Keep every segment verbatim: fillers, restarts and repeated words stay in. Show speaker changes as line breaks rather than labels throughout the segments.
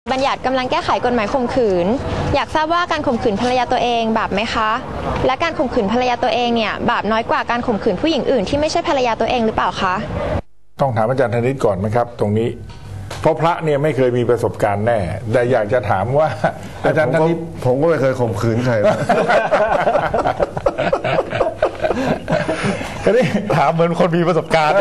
บัญญัติกำลังแก้ไขกฎหมายข่มขืนอยากทราบว่าการข่มขืนภรรยาตัวเองบาปไหมคะและการข่มขืนภรรยาตัวเองเนี่ยบาปน้อยกว่าการข่มขืนผู้หญิงอื่นที่ไม่ใช่ภรรยาตัวเองหรือเปล่าคะ
ต้องถามอาจารย์ธนิตก่อนไหมครับตรงนี้เพราะพระเนี่ยไม่เคยมีประสบการณ์แน่แต่อยากจะถามว่าอาจารย์ธนิต
ผมก็ไม่เคยข่มขืนใคร
อันนี้
ถามเหมือนคนมีประสบการณ์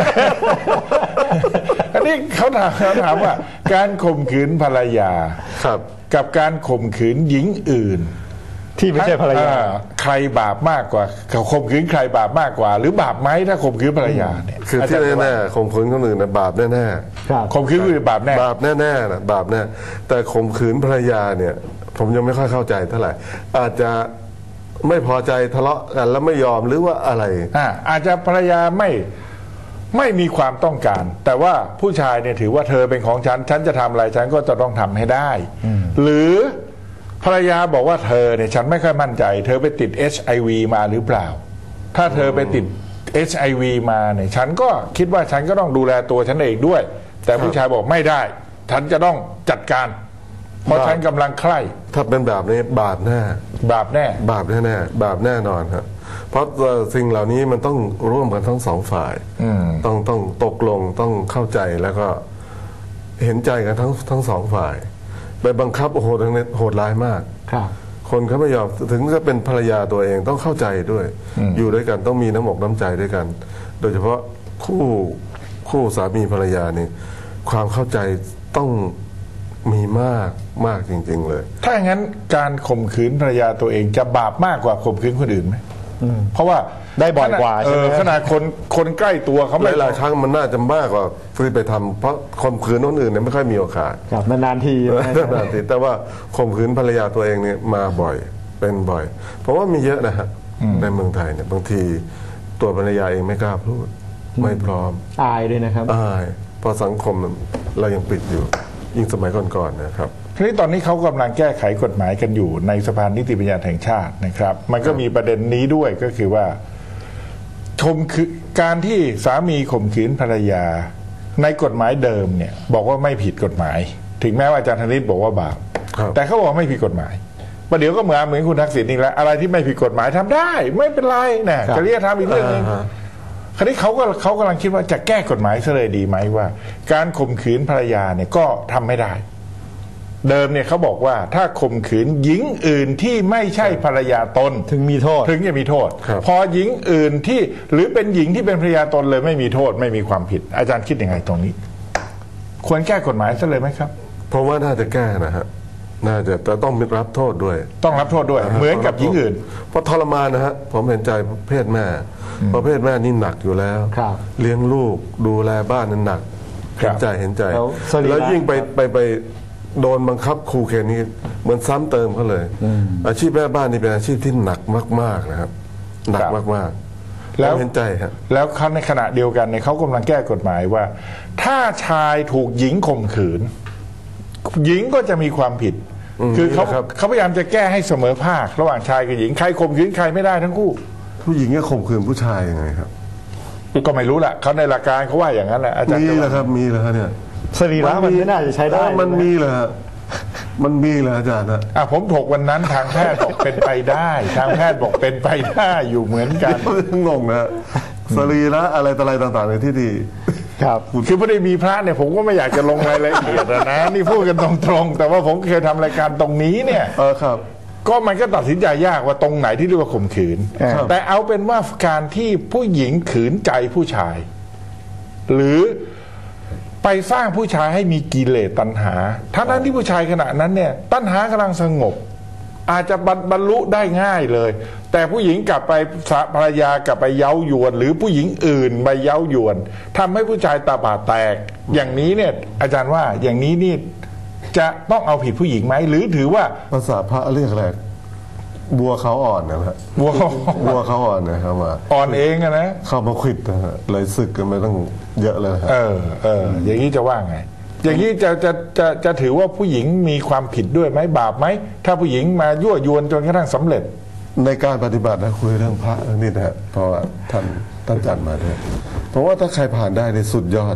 อันนี้เขาถามเขาถามว่าการข่มขืนภรรยา
ครับ
กับการข่มขืนหญิงอื่น
ที่ไม่ใช่ภรรยา
ใครบาปมากกว่าข่มขืนใครบาปมากกว่าหรือบาปไหมถ้าข่มขืนภรรยาเนี่ย
คือที่แน่ๆข่มขืนคนอื่นนะบาปแน่
ๆข่มขืนคือบาปแน่
บาปแน่ๆนะบาปแน่แต่ข่มขืนภรรยาเนี่ยผมยังไม่ค่อยเข้าใจเท่าไหร่อาจจะไม่พอใจทะเลาะกันแล้วไม่ยอมหรือว่าอะไร
อ่าอาจจะภรรยาไม่ไม่มีความต้องการแต่ว่าผู้ชายเนี่ยถือว่าเธอเป็นของฉันฉันจะทำอะไรฉันก็จะต้องทำให้ได้หรือภรรยาบอกว่าเธอเนี่ยฉันไม่ค่อยมั่นใจเธอไปติด เอช ไอ วี มาหรือเปล่าถ้าเธอไปติด เอช ไอ วี มาเนี่ยฉันก็คิดว่าฉันก็ต้องดูแลตัวฉันเองด้วยแต่ผู้ชายบอกไม่ได้ฉันจะต้องจัดการเพราะฉันกำลังใคร่
ถ้าเป็นแบบนี้บาปแน่
บาปแน่
บาปแน่แน่บาปแน่นอนครับเพราะสิ่งเหล่านี้มันต้องร่วมกันทั้งสองฝ่ายต้องต้องตกลงต้องเข้าใจแล้วก็เห็นใจกันทั้งทั้งสองฝ่ายไปบังคับโอ้โหทั้งนี้โหดร้ายมากคนเขาไม่ยอมถึงจะเป็นภรรยาตัวเองต้องเข้าใจด้วยอยู่ด้วยกันต้องมีน้ำอกน้ำใจด้วยกันโดยเฉพาะคู่คู่สามีภรรยานี่ความเข้าใจต้องมีมากมากจริงๆเลย
ถ้าอย่างนั้นการข่มขืนภรรยาตัวเองจะบาปมากกว่าข่มขืนคนอื่นไหมเพราะว่า
ได้บ่อยกว่าใช่ไหม
ขนาดคนคนใกล้ตัวเขา
หลายๆครั้งมันน่าจะมากกว่าที่ไปทำเพราะข่มขืนคนอื่นเนี่ยไม่ค่อยมีโอกาส
ครับนานๆที
นานๆทีแต่ว่าข่มขืนภรรยาตัวเองเนี่ยมาบ่อยเป็นบ่อยเพราะว่ามีเยอะนะฮะในเมืองไทยเนี่ยบางทีตัวภรรยาเองไม่กล้าพูดไม่พร้อม
อายด้วยนะครับ
อายเพราะสังคมเรายังปิดอยู่ยิ่งสมัยก่อนๆนะครับ
ทีนี้ตอนนี้เขากำลังแก้ไขกฎหมายกันอยู่ในสภานิติบัญญัติแห่งชาตินะครับมันก็มีประเด็นนี้ด้วยก็คือว่าข่มขืนการที่สามีข่มขืนภรรยาในกฎหมายเดิมเนี่ยบอกว่าไม่ผิดกฎหมายถึงแม้ว่าอาจารย์ธนิตบอกว่าบาปแต่เขาบอกไม่ผิดกฎหมายประเดี๋ยวก็เหมือนเหมือนคุณทักษิณนี่แหละอะไรที่ไม่ผิดกฎหมายทำได้ไม่เป็นไรนะจริยธรรมอีกเรื่องนึงคราวนี้เขาก็เขากำลังคิดว่าจะแก้กฎหมายซะเลยดีไหมว่าการข่มขืนภรรยาเนี่ยก็ทำไม่ได้เดิมเนี่ยเขาบอกว่าถ้าข่มขืนหญิงอื่นที่ไม่ใช่ภรรยาตน
ถึงมีโทษ
ถึงจะมีโทษพอหญิงอื่นที่หรือเป็นหญิงที่เป็นภรรยาตนเลยไม่มีโทษไม่มีความผิดอาจารย์คิดยังไงตรงนี้ควรแก้กฎหมายซะเลยไหมครับ
เพราะว่าน่าจะแก้นะฮะน่าจะแต่ต้องรับโทษด้วย
ต้องรับโทษด้วยเหมือนกับหญิงอื่น
เพราะทรมานนะฮะผมเห็นใจเพศแม่ประเภทแม่นี่หนักอยู่แล้วเลี้ยงลูกดูแลบ้านนั้นหนักเห็นใจเห็นใจแล้วยิ่งไปไปไปโดนบังคับครูเคนนี่เหมือนซ้ำเติมเขาเลยอาชีพแม่บ้านนี่เป็นอาชีพที่หนักมากๆนะครับหนักมากๆแล้วเห็นใจครับ
แล้วเขาในขณะเดียวกันเนี่ยเขากำลังแก้กฎหมายว่าถ้าชายถูกหญิงข่มขืนหญิงก็จะมีความผิดคือเขาเขาพยายามจะแก้ให้เสมอภาคระหว่างชายกับหญิงใครข่มขืนใครไม่ได้ทั้งคู่
ผู้หญิงก็ข่มขืนผู้ชายยังไงครับ
ก็ไม่รู้แหละเขาในหลักการเขาว่าอย่างนั้นแหละอาจารย์
มีเหรอครับมีเหรอเนี่ย
สรีระมันไม่น่าจะใช้ได้
มันมีเหรอมันมีเหรออาจารย์นะ
อ่ะผมถกวันนั้นทางแพทย์บอกเป็นไปได้ทางแพทย์บอกเป็นไปได้อยู่เหมือนกัน
งงนะสรีระอะไรต่ออะไรต่างๆในที่ดี
ครับคือไม่ได้มีพระเนี่ยผมก็ไม่อยากจะลงรายละเอียดนะนี่พูดกันตรงๆแต่ว่าผมเคยทำรายการตรงนี้เนี่ย
เออครับ
ก็มันก็ตัดสินใจยากว่าตรงไหนที่เรียกว่าข่มขืนแต่เอาเป็นว่าการที่ผู้หญิงขืนใจผู้ชายหรือไปสร้างผู้ชายให้มีกิเลสตัณหาทั้งนั้นที่ผู้ชายขณะนั้นเนี่ยตัณหากำลังสงบอาจจะบรรลุได้ง่ายเลยแต่ผู้หญิงกลับไปภรรยากลับไปเย้ายวนหรือผู้หญิงอื่นไปเย้ายวนทำให้ผู้ชายตาบาดแตกอย่างนี้เนี่ยอาจารย์ว่าอย่างนี้นี่จะต้องเอาผิดผู้หญิงไหมหรือถือว่า
ภาษาพระเรียกอะไรบัวเขาอ่อนนะครับ
บัว
บัวเขาอ่อนนะครับว่า
อ่อนเองนะ
เข้ามาขิดนะฮะเลยศึกกันไปตั้งเยอะเลยครับ
เออเอออย่างนี้จะว่าไงอย่างนี้จะจะจะจะถือว่าผู้หญิงมีความผิดด้วยไหมบาปไหมถ้าผู้หญิงมายั่วยวนจนกระทั่งสำเร็จ
ในการปฏิบัตินะคุยเรื่องพระนี่นะเพราะว่าท่านท่านจัดมาด้วยเพราะว่าถ้าใครผ่านได้ในสุดยอด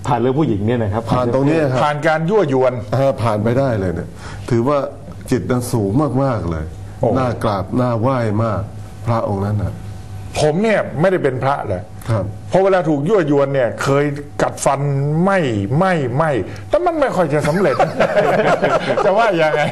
ผ่านเรื่องผู้หญิงเนี่ยนะครับ
ผ่านตรงนี้ครับ
ผ่านการยั่วยวน
เออผ่านไปได้เลยเนี่ยถือว่าจิตนั้นสูงมากๆเลย
โอ้
น่ากราบน่าไหว้มากพระองค์นั้นนะ
ผมเนี่ยไม่ได้เป็นพระเลย
ครับ
เพราะเวลาถูกยั่วยวนเนี่ย เคยกัดฟันไม่ไม่ไม่แต่มันไม่ค่อยจะสำเร็จ จะว่ายังไง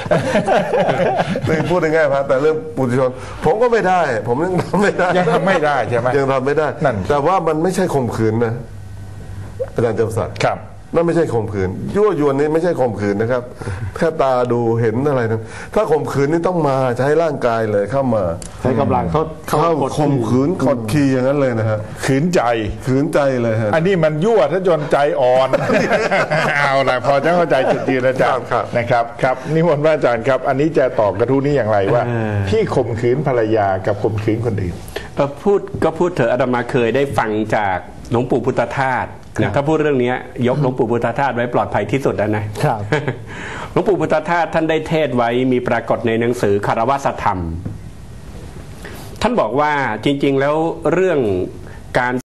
นี่พูดง่ายๆพระแต่เรื่องปุถุชน ผมก็ไม่ได้ ผมยังทำไม่ได้
ยังทำไม่ได้ใช่ไหม
ยังทำไม่ได้
นั่น
แต่ว่ามันไม่ใช่ข่มขืนนะอาจารย์เจ้าสัตว์
ครับ
นั่นไม่ใช่ข่มขืนยั่วยวนนี่ไม่ใช่ข่มขืนนะครับแค่ตาดูเห็นอะไรนั้นถ้าข่มขืนนี่ต้องมาใช้ร่างกายเลยเข้ามา
ใช้กำลังเขา
เข้าก
ด
ข่มขืนกดขี่อย่างนั้นเลยนะฮะ
ขืนใจ
ขืนใจเลยฮะ
อันนี้มันยั่วถ้าจนใจอ่อน เอาละพอจะเข้าใจจุดยืนอาจารย์
ครับ
นะครับครับนิมนต์พระอาจารย์ครับ อันนี้จะตอบกระทู้นี้อย่างไรว่า ที่ข่มขืนภรรยากับข่มขืนคนอื่น
เอ่อพูดก็พูดเถอะอาตมาเคยได้ฟังจากหลวงปู่พุทธทาสนะถ้าพูดเรื่องนี้ยกหลวงปู่พุทธทาสไว้ปลอดภัยที่สุดแล้วนะครับ หลวงปู่พุทธทาสท่านได้เทศไว้มีปรากฏในหนังสือคารวะธรรม ท่านบอกว่าจริงๆแล้วเรื่องการ